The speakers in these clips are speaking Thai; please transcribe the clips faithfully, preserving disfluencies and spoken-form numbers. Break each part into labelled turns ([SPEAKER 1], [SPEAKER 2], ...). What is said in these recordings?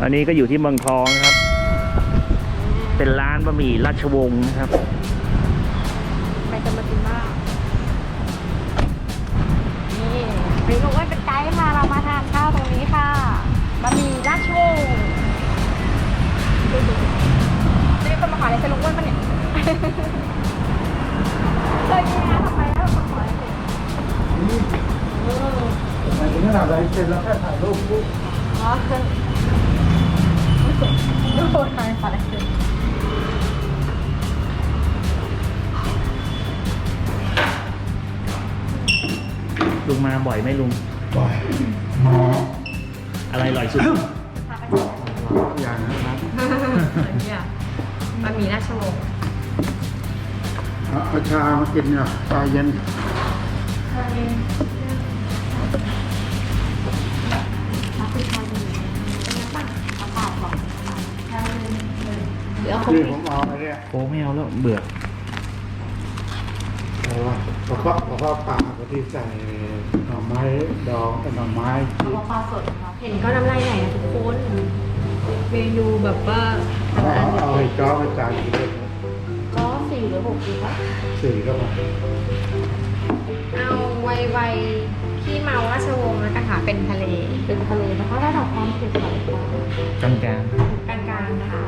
[SPEAKER 1] อันนี้ก็อยู่ที่เมืองทองนะครับ เป็นร้านบะหมี่ราชวงศ์นะครับ
[SPEAKER 2] ไปกันมากินมากนี่เมนูว่าเป็นไกด์พาเรามาทานข้าวตรงนี้ค่ะบะหมี่ราชวงศ์จะมีคนมาขออะไรเซลุงอ้วนปะเนี่ยเคยมีนะทำไมแล้วมาขออะไรเสร็จ
[SPEAKER 3] ไม่ถึงขนาดอะไรเสร็จแล้วแค่ถ่ายรูปปุ๊บ
[SPEAKER 2] อ๋อดูโพสต์มาขออะไรเสร็จ
[SPEAKER 1] ลุงมาบ่อยไหมลุง
[SPEAKER 3] บ่อย
[SPEAKER 1] อะไรอร่อยสุด
[SPEAKER 3] อย่างนะครับ
[SPEAKER 2] เนี่ยบะหมี่ราชวงศ์
[SPEAKER 3] เอาชามากินเนี่ยชาเย็นนี่ผมเอาไอ้เนี่ย
[SPEAKER 1] โอ้ไม่เอาแล้วเบื่อ
[SPEAKER 3] อะไรวะกระเพาะกระเพาะปลาที่ใส่หน่อไม้ดองกับหน่อไม้ที่
[SPEAKER 2] ปลาสดเห็นก็น้ำลายไหลนะทุกคนเมนูแบบว่า
[SPEAKER 3] เอาเอาให้จ้อให้จานกินเลย
[SPEAKER 2] ก็สี่หรือหกดีปะ
[SPEAKER 3] สี่ก็พอ
[SPEAKER 2] เอาไวไวขี้เมาราชวงศ์แล้วกันค่ะเป็นทะเลเป็นทะเลนะคะระดับความเผ็ดของ
[SPEAKER 1] กลางกลาง
[SPEAKER 2] กลางๆนะคะ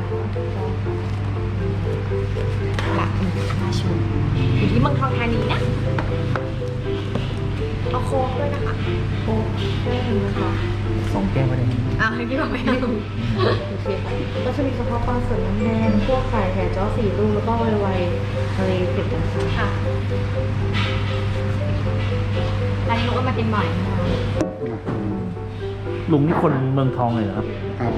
[SPEAKER 2] หลักราชวงศ์อยู่ที่เมืองทองธานีนะเอาโค้กด้วยนะคะโค้กด้วยนะคะ
[SPEAKER 1] สองแก้วไปเลย
[SPEAKER 2] อ้าวให้พี่บอกไปให้ดูโอเคค่ะก็จะมีกระเพาะปลาสดน้ำแดงพวกไข่แห่จ้อสี่ลูกแล้วก็ไวไวทะเลเผ็ดต่างๆค่ะร้านนี้ลูกก็มากินบ่อยนะคะ
[SPEAKER 1] ลุงนี่คนเมืองทองเลยเหรอครับ
[SPEAKER 3] ครับ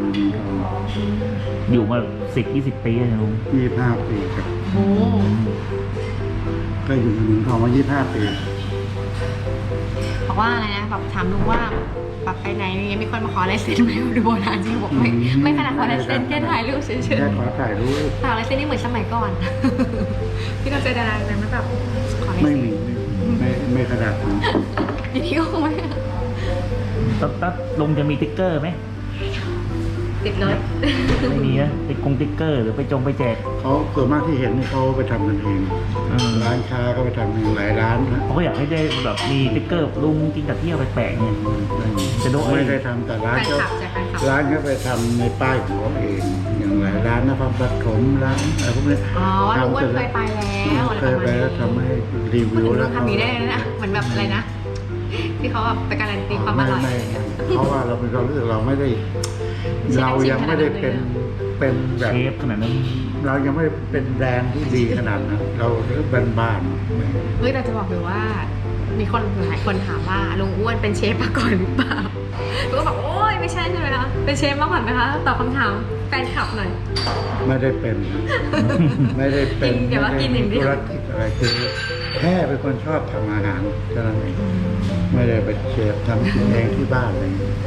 [SPEAKER 1] อยู่มาสิบยี่สิบปีเลยนะลุง
[SPEAKER 3] ยี่สิบห้าปีครับ
[SPEAKER 2] โอ้
[SPEAKER 3] ก็อยู่ในเมืองทองมายี่สิบห้าปี
[SPEAKER 2] บอกว่าอะไรนะแบบถามลุงว่าแบบไปไหนมีมีคนมาขอลายเซ็นไหมดูโบราณจริงบอกไม่ไม่ขนาดขอลายเซ็นแค่ถ่ายรูปเฉยๆ
[SPEAKER 3] แค่ขอถ่ายรูป
[SPEAKER 2] แต่ลายเซ็นนี่เหมือนสมัยก่อน พี่ก็เจอดาราอะไรมาแบบขอลาย
[SPEAKER 3] ไม่
[SPEAKER 2] เซ็น
[SPEAKER 3] มีไม่ไม่ขนาดนั้น
[SPEAKER 2] ทีนี้ก็คงไม่
[SPEAKER 1] ตัดตัดลุงจะมีติ๊กเกอร์ไหม
[SPEAKER 2] ติดเลย
[SPEAKER 1] ไม่มีนะไปกงติ๊กเกอร์หรือไปจงไปแจก
[SPEAKER 3] เขาส่วนมากที่เห็นนี่เขาไปทำกันเอง
[SPEAKER 1] เออ
[SPEAKER 3] ร้านค้าก็ไปทำเองหลายร้านนะ
[SPEAKER 1] เขาก็อยากให้ได้แบบมีติ๊กเกอร์ลุงกินกับเที่ยวแปลกๆเนี่ยจะโดน
[SPEAKER 3] ไม่ได้ทำแต่ร้าน
[SPEAKER 2] แฟน
[SPEAKER 3] เขา
[SPEAKER 2] คลับจากแฟนคลับ
[SPEAKER 3] ร้านเขาไปทำในป้ายของเขาเอง อย่างหลายร้านนะครับปฐมร้านอะไรพวกนี้
[SPEAKER 2] อ๋อลุงอ้วนเคยไปแล้วอะไร
[SPEAKER 3] เค
[SPEAKER 2] ป
[SPEAKER 3] ย
[SPEAKER 2] ระมาณ
[SPEAKER 3] ไป
[SPEAKER 2] นี้
[SPEAKER 3] แล้วทำให้รี
[SPEAKER 2] พูด
[SPEAKER 3] วิว
[SPEAKER 2] ถึง
[SPEAKER 3] แล้
[SPEAKER 2] เรื่
[SPEAKER 3] ว
[SPEAKER 2] องคำนี้ได้เลยนะเหมือนแบบอะไรนะที่เขาแบบไปการันตีความอ
[SPEAKER 3] ไม่
[SPEAKER 2] ร่อย
[SPEAKER 3] ไม่เพราะว่าเราเป็นความรู้สึกเราไม่ได้ เรายังไม่ได้เป็นเป็นแบบ
[SPEAKER 1] เชฟขนาดนั้น
[SPEAKER 3] เรายังไม่เป็นแบรนด์ที่ดีขนาดนั้นเราเรื่องบ้านๆ
[SPEAKER 2] เฮ้ยแต่จะบอกเลยว่า มีคนหลายคนถามว่าลุงอ้วนเป็นเชฟมาก่อนหรือเปล่าลุงก็บอกโอ้ยไม่ใช่ใช่ไหมคะเป็นเชฟมาก่อนไหมคะตอบคำถามแฟนคลับหน่อย
[SPEAKER 3] ไม่ได้เป็น ไม่ได้เป็น
[SPEAKER 2] กินเดี๋ยวว่ากินอย่างเดียว
[SPEAKER 3] ธุรกิจอะไรคือแค่เป็นคนชอบทำอาหารเท่านั้นเองไม่ได้เป็นเชฟทำกินเองที่บ้านอะไรอย่างเงี้ย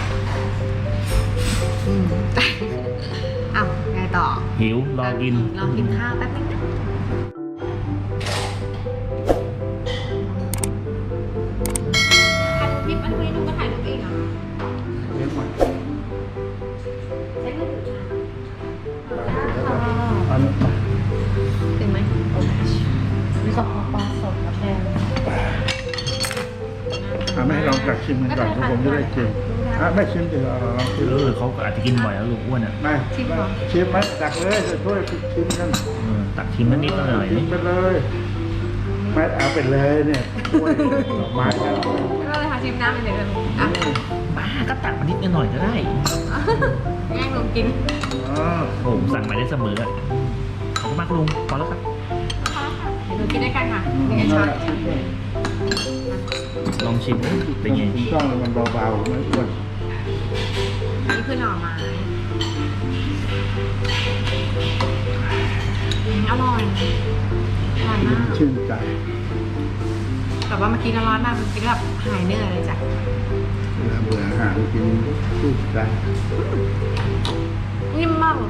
[SPEAKER 2] อืมอ้าวไงต่อ
[SPEAKER 1] หิวรอกิน
[SPEAKER 2] ลองกินข้าวแป๊บนึงนะถ่ายรูปพี่อันนี้ดูก็ถ่ายรูปเองเหรอ
[SPEAKER 3] เลี้ยงมา
[SPEAKER 2] ใช้มือถือค่ะ
[SPEAKER 1] อันนี้
[SPEAKER 2] เป็นไหมมีกระเพาะปลาสดกับแดง
[SPEAKER 3] อ่ะไม่ให้ลองตักชิมกันก่อนเพราะผมจะได้ชิมอ่ะไม่ชิมดีกว่าลองชิม
[SPEAKER 1] เออเขาก็อาจจะกินบ่อยแล้วลุงอ้วนอ่ะ
[SPEAKER 3] ไม่ไม่ชิมไหมตักเลยจะช่วยชิมกัน
[SPEAKER 1] เออตักชิมนิดๆหน่อย
[SPEAKER 3] ชิมไปเลยไม่เอาไปเลยเนี่ยช่วยดอกไม้กัน
[SPEAKER 2] ก็เลยค่ะชิมน้ำเป็นเดี๋ยวเลยอ่ะ
[SPEAKER 1] ๆบ้าก็ตักมานิดหน่อยก็ได้
[SPEAKER 2] แย่งลุงกิน
[SPEAKER 3] อ๋อ
[SPEAKER 1] โอ้ผมสั่งมาได้เสมออ่ะขอบคุณมากลุงพอแล้วครับ
[SPEAKER 2] เดี๋ยวเรากินด้วยกันค่ะหนึ่งช้อน
[SPEAKER 1] ลองชิมเป็นไง
[SPEAKER 3] คุณต้องมันเบาๆไม่อ้วน
[SPEAKER 2] นี่คือหน่อไม้อร่อยอร่อยมาก
[SPEAKER 3] ชื่นใจ
[SPEAKER 2] แต่ว่าเมื่อกี้ร้อนมากเมื่อกี้แบบหายเหนื่อยเลยจ้ะ
[SPEAKER 3] เวลาเบื่ออาหารกินชื่นใจ
[SPEAKER 2] นิ่มมากเลย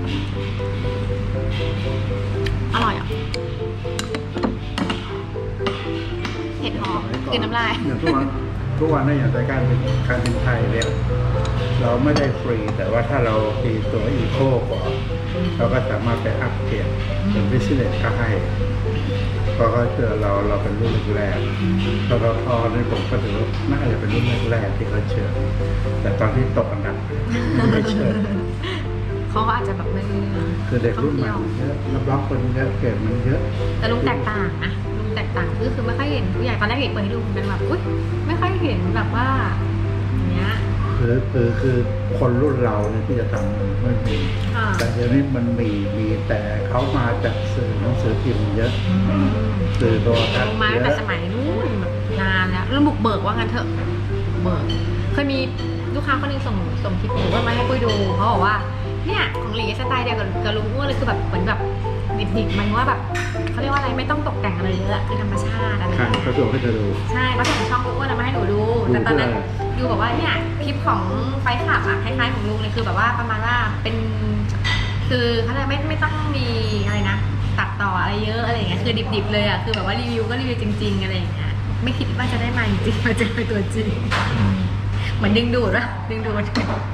[SPEAKER 2] อร่อยอ่ะเห็ดหอมคือน้ำลาย
[SPEAKER 3] อย่างทุกวันทุกวันนี้อย่างรายการบินการบินไทยเนี่ยเราไม่ได้ฟรี แต่ว่าถ้าเราตีตัวอีโคก่อนเราก็สามารถไปอัพเกรดเป็นบิสเนสก็ให้เพราะเขาเชื่อเราเราเป็นรุ่นแรกๆแล้วก็พอในผมก็ถือว่าน่าจะเป็นรุ่นแรกๆที่เขาเชิญแต่ตอนที่ตกอันดับไม่เชิญ
[SPEAKER 2] เขาก็อาจจะแบบไม่
[SPEAKER 3] คือเด็กรุ่นใหม่เยอะรับรองคนเยอะเก่งมันเยอะ
[SPEAKER 2] แต่ลุงแตกต่างนะลุงแตกต่างคือคือไม่ค่อยเห็นผู้ใหญ่ตอนแรกเห็นเปิดให้ดูเป็นแบบอุ้ยไม่ค่อยเห็นแบบว่าอย่างเงี้ย
[SPEAKER 3] คือคือคือคนรุ่นเราเนี่ยที่จะทำมันไม่มี
[SPEAKER 2] ค่ะ
[SPEAKER 3] แต่เดี๋ยวนี้มันมีมีแต่เขามาจากสื่อหนังสือพิมพ์เยอะสื่อโทรทัศ
[SPEAKER 2] ล
[SPEAKER 3] น์
[SPEAKER 2] งมา
[SPEAKER 3] เย
[SPEAKER 2] ตั้งแต่
[SPEAKER 3] อะ
[SPEAKER 2] สมัยนู้นแบบนานแล้วแล้วบุกเบิกว่างั้นเถอะเบิกเคยมีลูกค้าคนหนึงส่งส่งคลิปหนูว่ามาให้ปุ้ยดูเขาบอกว่าเนี่ยของหลีสไตล์เดียวกับกับลุงอ้วนเลยคือแบบเหมือนแบบดิบๆมันว่าแบบเขาเรียกว่าอะไรไม่ต้องตกแต่งอะไรเยอะคือธรรมชาติอะไร
[SPEAKER 3] ค่ะเขาส่งให้เธอดู
[SPEAKER 2] ใช่เขาส่งช่องลุงอ้วนมาให้หนูดู
[SPEAKER 3] ดู
[SPEAKER 2] แต่ตอนนั้น
[SPEAKER 3] เพื่อ
[SPEAKER 2] ยูบอกว่าเนี่ยคลิปของไฟขับอะคล้ายๆของลุงเลยคือแบบว่าประมาณว่าเป็นคือเขาเรียกไม่ไม่ต้องมีอะไรนะตัดต่ออะไรเยอะอะไรอย่างเงี้ยคือดิบๆเลยอะคือแบบว่ารีวิวก็รีวิวจริงๆอะไรอย่างเงี้ยไม่คิดว่าจะได้มาจริงๆมาเจอตัวจริงเหมือนดึงดูดวะดึงดูด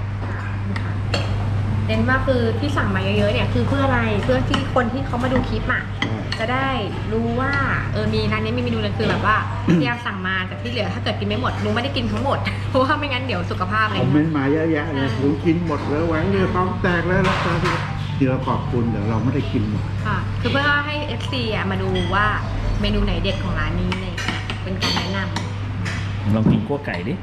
[SPEAKER 2] เน้นว่าคือที่สั่งมาเยอะๆเนี่ยคือเพื่ออะไรเพื่อที่คนที่เขามาดูคลิปอะจะได้รู้ว่าเออมีร้านนี้มีเมนูเลยคือแบบว่าพยายามสั่งมาแต่ที่เหลือถ้าเกิดกินไม่หมดลุงไม่ได้กินทั้งหมดเพราะว่าไม่งั้นเดี๋ยวสุขภาพอะไร
[SPEAKER 3] คอมเม
[SPEAKER 2] เงี้
[SPEAKER 3] น
[SPEAKER 2] ย
[SPEAKER 3] ต์มาเยอะแยะเลยผมกินหมดแล้วหวังเลยท้องแตกแล้วราคาที่เดี๋ยวขอบคุณเดี๋ยวเราไม่ได้กินหมด
[SPEAKER 2] ค่ะคือเพื่อให้ เอฟ ซี อ่ะมาดูว่าเมนูไหนเด็ดของร้านนี้อะไรอย่างเงี้ยเป็นการแนะนำ
[SPEAKER 1] ลองกินกั้วไก่ดิ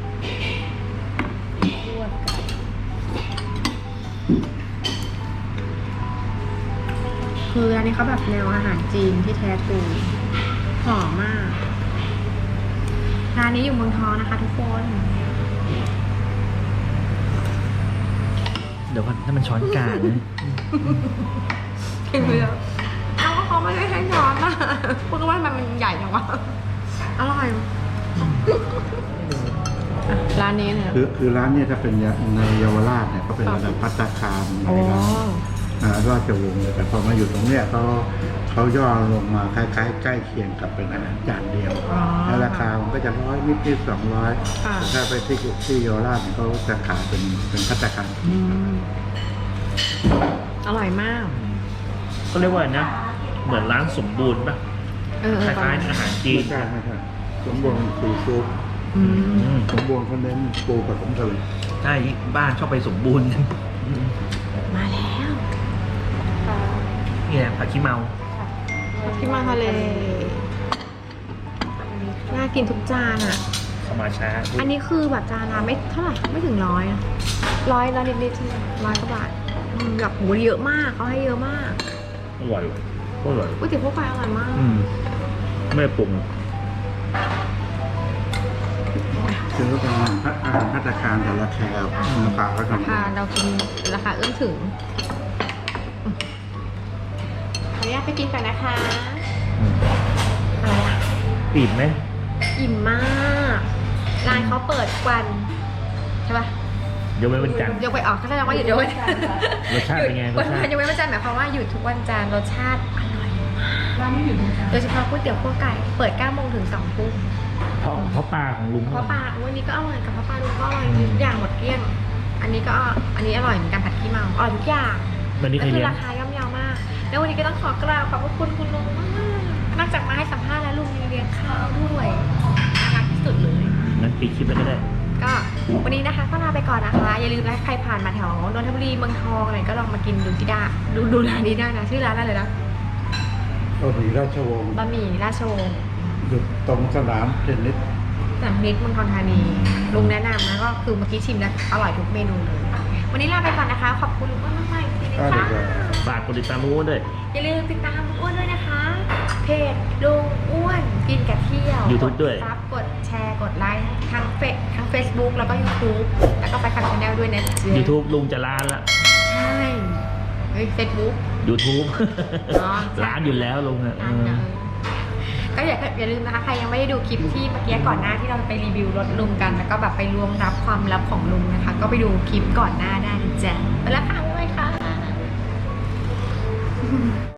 [SPEAKER 2] คืออันนี้เขาแบบแนวอาหารจีนที่แท้ทรูหอมมากร้านนี้อยู่เมืองทองนะคะทุกคน
[SPEAKER 1] เดี๋ยวก่อนถ้ามันช้อนกลางนะ
[SPEAKER 2] กินไปแล้วเอาก็เขาไม่ได้ให้ช้อนนะพูดว่ามันมันใหญ่จังวะอร่อยอ่ะร้านนี้เนี่ย
[SPEAKER 3] คือคือร้านเนี่ยถ้าเป็นในเยาวราชเนี่ยเขาเป็นระดับภัตตาคารใน
[SPEAKER 2] โอ้
[SPEAKER 3] ร้านอ่าราชวงศ์เลยแต่พอมาอยู่ตรงเนี้ยเขาเขาย่อลงมาคล้ายๆใกล้เคียงกับเป็นอาหารจานเดียว
[SPEAKER 2] อ๋อ
[SPEAKER 3] แล้วราคามันก็จะร้อยนิดนิดสองร้อย
[SPEAKER 2] ค่ะ
[SPEAKER 3] ถ้าไปที่ที่เยาวราชเนี่ยเขาจะขายเป็นเป็นภัตตาคาร
[SPEAKER 2] อืมอร่อยมาก
[SPEAKER 1] ก็เรียกว่านะ เหมือนร้านสมบูรณ์ป่ะ
[SPEAKER 2] เออ
[SPEAKER 1] ค
[SPEAKER 2] เออ
[SPEAKER 1] ล้ายๆอาหารจีน
[SPEAKER 3] ไม่ใช่ไม่ใช่สมบูรณ์ซีฟู้ด
[SPEAKER 2] อืม
[SPEAKER 1] อืม
[SPEAKER 3] สมบูรณ์เขาเน้นปูผสมทะเล
[SPEAKER 1] ใช่บ้านชอบไปสมบูรณ์
[SPEAKER 2] มาแล้ว
[SPEAKER 1] เนี่ยผักขี้เมา
[SPEAKER 2] พี่มาทะเลน่ากินทุกจานอ่ะ
[SPEAKER 1] เข้ามาช้า
[SPEAKER 2] อันนี้คือแบบจานละไม่เท่าไหร่ไม่ถึงร้อยอะร้อยร้อยนิดๆร้อยกว่าบาทอืมแบบโหเยอะมากเขาให้เยอะมาก
[SPEAKER 1] อร่อยก็อร่อย
[SPEAKER 2] ก๋วยเตี๋ยวพวกไฟอร่อยมาก
[SPEAKER 1] อืมไม่ปรุง
[SPEAKER 3] คือว่าเป็นอาหารอาหารภัตตาคารแต่ราคาราคาก็
[SPEAKER 2] รา
[SPEAKER 3] ทำ
[SPEAKER 2] คาเรากินราคาเอื้อมถึงขออนุญาตไปกินก่อนนะคะ
[SPEAKER 1] อืม
[SPEAKER 2] อะไรอะ
[SPEAKER 1] อิ่มไหม
[SPEAKER 2] อิ่มมากร้านเขาเปิดทุกวันใช่ปะ
[SPEAKER 1] ยกเว้นวันจันทร์
[SPEAKER 2] ยกไปออกก็แสดงว่าหยุดยกวันจันทร์
[SPEAKER 1] รสชาติเป็นไง
[SPEAKER 2] หยุด
[SPEAKER 1] รสชาติ
[SPEAKER 2] วันยกเว้นวันจันทร์หมายความว่าหยุดทุกวันจันทร์รสชาติอร่อยมากร้านไม่หยุดโดยเฉพาะก๋วยเตี๋ยวขั้วไก่เปิดเก้าโมงถึงสองทุ่ม
[SPEAKER 1] เพราะเพราะปลาของลุง
[SPEAKER 2] เพราะปลาวันนี้ก็อร่อยกับเพราะปลาลุงก็อร่อยทุกอย่างหมดเกลี้ยง อันนี้ก็อันนี้อร่อยเหมือนกันผัดขี้เมาอร่อยทุกอย่าง
[SPEAKER 1] วันนี้
[SPEAKER 2] ก็
[SPEAKER 1] ใคร
[SPEAKER 2] คื
[SPEAKER 1] เลี้ยง
[SPEAKER 2] ราคาย่อมเยาวมาก แล้ววันนี้ก็ต้องขอกราบขอบพระคุณคุณลุงมากนอกจากมาให้สัมภาษณ์แล้วลุงยังเลี้ยงข้าวด้วยน่ารักที่สุดเลย
[SPEAKER 1] งั้นปิดคลิปแล้วก็ได้
[SPEAKER 2] ก็วันนี้นะคะก็ลาไปก่อนนะคะ อย่าลืมนะใครผ่านมาแถวนนทบุรีเมืองทองอะไรก็ลองมากินดูที่ได้ดูดูร้านนี้ได้นะชื่อร้านอะไรนะ
[SPEAKER 3] ก็มีราชวงศ์
[SPEAKER 2] บะหมี่ราชวงศ์
[SPEAKER 3] อยู่ตรงสนามเทนนิส
[SPEAKER 2] จากนิดเมืองทองธานีลุงแนะนำนะก็คือเมื่อกี้ชิมแล้วอร่อยทุกเมนูเลยวันนี้ลาไปก่อนนะคะ ขอบคุณลุงอ้วนมากๆอีกทีนึง
[SPEAKER 3] ก็
[SPEAKER 2] ค่ะ
[SPEAKER 3] เดี๋ยว
[SPEAKER 1] ฝากกดติดตามลุงอ้วนด้วย
[SPEAKER 2] อย่าลืมติดตามลุงอ้วนด้วยนะคะ เพจลุงอ้วนกินกับเที่ยว
[SPEAKER 1] YouTube ด้วย
[SPEAKER 2] กซับกดแชร์กดไลค์ทั้งเฟซทั้ง Facebook แล้วก็ YouTube แล้วก็ไปขับชาแนลด้วยนะจ๊ะ
[SPEAKER 1] YouTube ลุงจะร้านละ
[SPEAKER 2] ใช่เฮ้ย Facebook
[SPEAKER 1] YouTube
[SPEAKER 2] อ๋อ
[SPEAKER 1] ร้านอยู่แล้วลุงอ่ะเออ
[SPEAKER 2] ก็อย่าอย่าลืมนะคะ ใครยังไม่ได้ดูคลิปที่เมื่อกี้ก่อนหน้าที่เราไปรีวิวรถลุงกัน แล้วก็แบบไปรวมรับความลับของลุงนะคะ ก็ไปดูคลิปก่อนหน้าได้นะจ๊ะไปแล้วค่ะบ๊ายบายค่ะ